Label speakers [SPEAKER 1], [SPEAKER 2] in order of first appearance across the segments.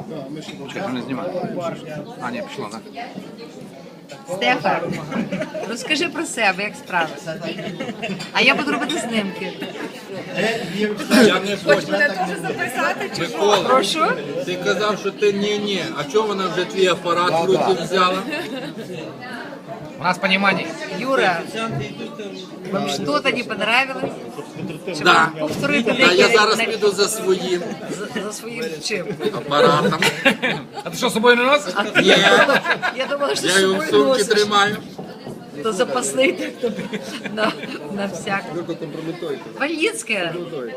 [SPEAKER 1] Чого не знімає? А, ні, пішло, так?
[SPEAKER 2] Стефан, розкажи про себе, як справи. А я буду робити знімки.
[SPEAKER 3] Я не
[SPEAKER 2] Хоч
[SPEAKER 3] хочу.
[SPEAKER 2] мене теж записати, чи що?
[SPEAKER 3] Микола,
[SPEAKER 2] Прошу.
[SPEAKER 3] ти казав, що ти ні-ні. А чого вона вже твій апарат в руки взяла?
[SPEAKER 1] У нас понімання.
[SPEAKER 2] Юра, вам что-то не понравилось? Чи
[SPEAKER 3] Да.
[SPEAKER 2] вам повторити
[SPEAKER 3] Та я зараз
[SPEAKER 2] на-
[SPEAKER 3] піду за своїм
[SPEAKER 2] за своїм чим?
[SPEAKER 3] апаратом.
[SPEAKER 1] А ти що, з собою не носиш?
[SPEAKER 3] Ні,
[SPEAKER 2] Я думала, що
[SPEAKER 3] я його в
[SPEAKER 2] з собою
[SPEAKER 3] сумці
[SPEAKER 2] носиш.
[SPEAKER 3] тримаю.
[SPEAKER 2] То запасний так тобі на всяк. Вальїцьке.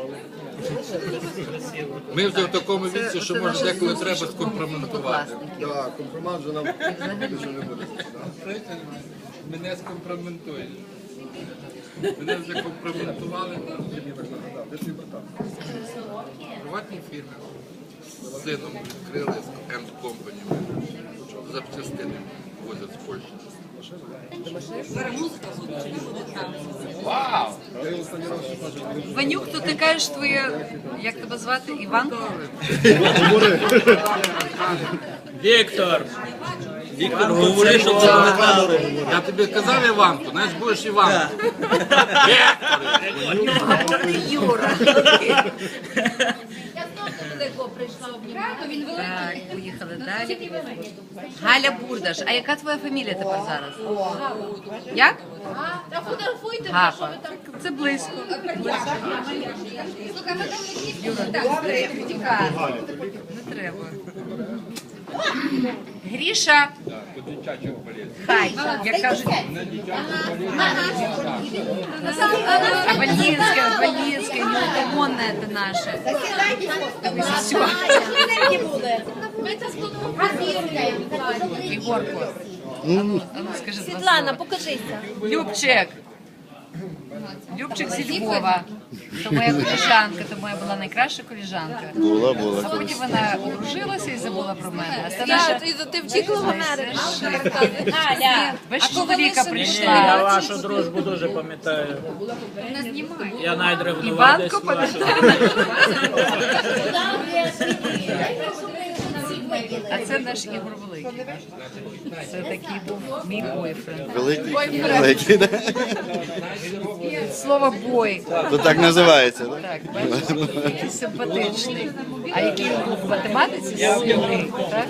[SPEAKER 3] Ми вже в такому віці, що може деколи треба скомпрометувати.
[SPEAKER 4] Так, компромат вже нам більше не буде.
[SPEAKER 3] Мене скомпрометують. Мене вже компрометували.
[SPEAKER 4] Де твій братан?
[SPEAKER 3] В приватній фірмі з сином відкрили End Company. Запчастини возять з Польщі.
[SPEAKER 1] Вау!
[SPEAKER 4] Я його останній раз ще бачив.
[SPEAKER 2] Ванюк, то ти кажеш твоє, як тебе звати, Іван?
[SPEAKER 5] Віктор! Віктор, говори, що це на камеру.
[SPEAKER 3] Я тобі казав Іванку, знаєш, будеш Іванку.
[SPEAKER 2] Юра.
[SPEAKER 6] Я знову далеко прийшла обнімати. Він великий.
[SPEAKER 2] Так, поїхали далі. Галя Бурдаш. А яка твоя фамілія тепер зараз? Як?
[SPEAKER 6] Та фотографуйте, що
[SPEAKER 2] Гапа.
[SPEAKER 6] ви там.
[SPEAKER 2] Це близько.
[SPEAKER 6] Слухай, ми там не втікає.
[SPEAKER 2] Не треба. Гріша. Хай, як кажуть. А Вальїнське, неугомонне це наше. Все.
[SPEAKER 6] Ми це сфотографуємо.
[SPEAKER 2] Ігорко. Ану, скажи два
[SPEAKER 6] Світлана,
[SPEAKER 2] слова.
[SPEAKER 6] покажися.
[SPEAKER 2] Любчик. Любчик зі Львова. То моя коліжанка, то моя була найкраща коліжанка.
[SPEAKER 4] Була.
[SPEAKER 2] А потім вона одружилася і забула про мене. А це наша...
[SPEAKER 6] Ти втікла в Америку.
[SPEAKER 2] Галя, без чоловіка
[SPEAKER 5] Я
[SPEAKER 2] прийшла.
[SPEAKER 5] вашу дружбу дуже пам'ятаю. Я навіть ревнував
[SPEAKER 2] Іванко
[SPEAKER 5] десь вашу.
[SPEAKER 2] пам'ятає. А це наш Ігор Великий. Це такий був мій бойфренд.
[SPEAKER 4] Великий, да?
[SPEAKER 2] Слово бой.
[SPEAKER 4] То так називається, так?
[SPEAKER 2] Так, бачите, який симпатичний. А який він був в математиці? Сильний, так?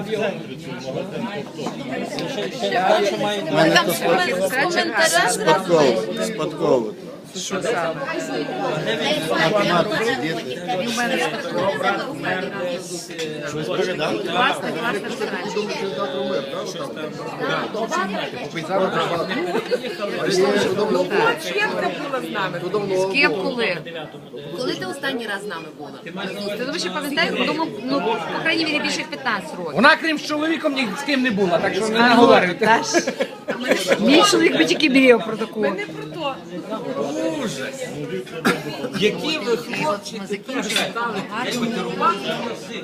[SPEAKER 4] Мене
[SPEAKER 2] Там
[SPEAKER 4] то
[SPEAKER 2] коментаря
[SPEAKER 4] спадково.
[SPEAKER 2] що саме?
[SPEAKER 4] Математики, діти.
[SPEAKER 2] Він в мене класна З ким коли?
[SPEAKER 6] Коли ти останній раз з нами була?
[SPEAKER 2] Ти думаєш, я пам'ятаю? Ну, по крайній мірі, більше як 15 років.
[SPEAKER 1] Вона, крім з чоловіком, ні з ким не була, так що не наговорюйте.
[SPEAKER 2] Та ж. Мій чоловік би тільки мріяв про таку.
[SPEAKER 3] Які ви хлопці
[SPEAKER 2] Ми
[SPEAKER 3] тепер
[SPEAKER 2] закінчили.
[SPEAKER 3] стали
[SPEAKER 2] Гарно.
[SPEAKER 3] керувати?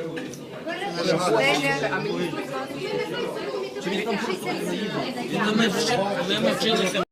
[SPEAKER 2] Стеля.
[SPEAKER 5] Коли ми вчилися